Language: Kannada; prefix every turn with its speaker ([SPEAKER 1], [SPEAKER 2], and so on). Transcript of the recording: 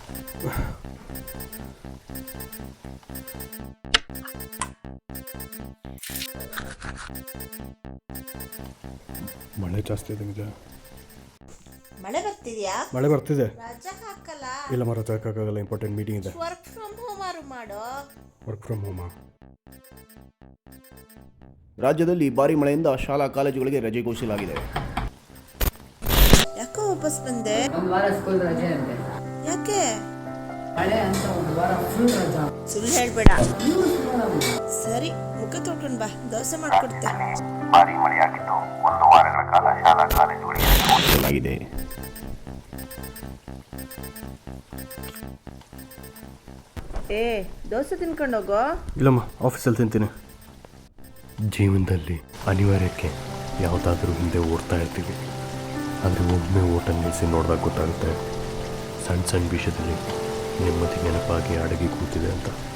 [SPEAKER 1] ಮಳೆ ಜಾಸ್ತಿ ಇದೆ ನಿಜ.
[SPEAKER 2] ಮಳೆ ಬರ್ತಿದ್ಯಾ?
[SPEAKER 1] ಮಳೆ ಬರ್ತಿದೆ.
[SPEAKER 2] ರಜಾ ಹಾಕಲ್ಲ.
[SPEAKER 1] ಇಲ್ಲ ರಜಾ ಹಾಕೋಕ್ಕಾಗಲ್ಲ, ಇಂಪಾರ್ಟೆಂಟ್ ಮೀಟಿಂಗ್ ಇದೆ.
[SPEAKER 2] ವರ್ಕ್ ಫ್ರಮ್ ಹೋಮ್ ಮಾಡೋ.
[SPEAKER 1] ವರ್ಕ್ ಫ್ರಮ್ ಹೋಮಾ?
[SPEAKER 3] ರಾಜ್ಯದಲ್ಲಿ ಭಾರಿ ಮಳೆಯಿಂದ ಶಾಲಾ ಕಾಲೇಜುಗಳಿಗೆ ರಜೆ ಘೋಷಿಸಲಾಗಿದೆ.
[SPEAKER 2] ಯಾಕೋ ವಾಪಸ್ ಬಂದೆ?
[SPEAKER 4] ಒಂದು ವಾರ ಸ್ಕೂಲ್ ರಜೆ ಅಂತೆ.
[SPEAKER 2] ಯಾಕೆ?
[SPEAKER 4] ಮಳೆ ಅಂತ ಒಂದು ವಾರ ಫುಲ್ ರಜಾ.
[SPEAKER 2] ಸುಳ್ಳು ಹೇಳ್ಬೇಡ. ಸರಿ, ಮುಖ ತೊಳ್ಕೊಂಡು ಬಾ, ದೋಸೆ ಮಾಡ್ಕೊಡ್ತೆ.
[SPEAKER 5] ಭಾರಿ ಮಳೆಯಾಗಿದ್ದು 1 ವಾರಗಳ ಕಾಲ ಶಾಲಾ ಕಾಲೇಜುಗಳಿಗೆ
[SPEAKER 3] ಘೋಷಿಸಲಾಗಿದೆ.
[SPEAKER 2] ದೋಸೆ ತಿನ್ಕೊಂಡು ಹೋಗೋ.
[SPEAKER 1] ಇಲ್ಲಮ್ಮ, ಆಫೀಸಲ್ಲಿ ತಿಂತೀನಿ. ಜೀವನದಲ್ಲಿ ಅನಿವಾರ್ಯಕ್ಕೆ ಯಾವುದಾದ್ರೂ ಹಿಂದೆ ಓಡ್ತಾ ಇರ್ತೀವಿ, ಆದರೆ ಒಮ್ಮೆ ಓಟ ನಿಲ್ಲಿಸಿ ನೋಡಿದಾಗ ಗೊತ್ತಾಗುತ್ತೆ ಸಣ್ಣ ಸಣ್ಣ ವಿಷಯದಲ್ಲಿ ನೆಮ್ಮದಿ ನೆನಪಾಗಿ ಅಡಗಿ ಕೂತಿದೆ ಅಂತ.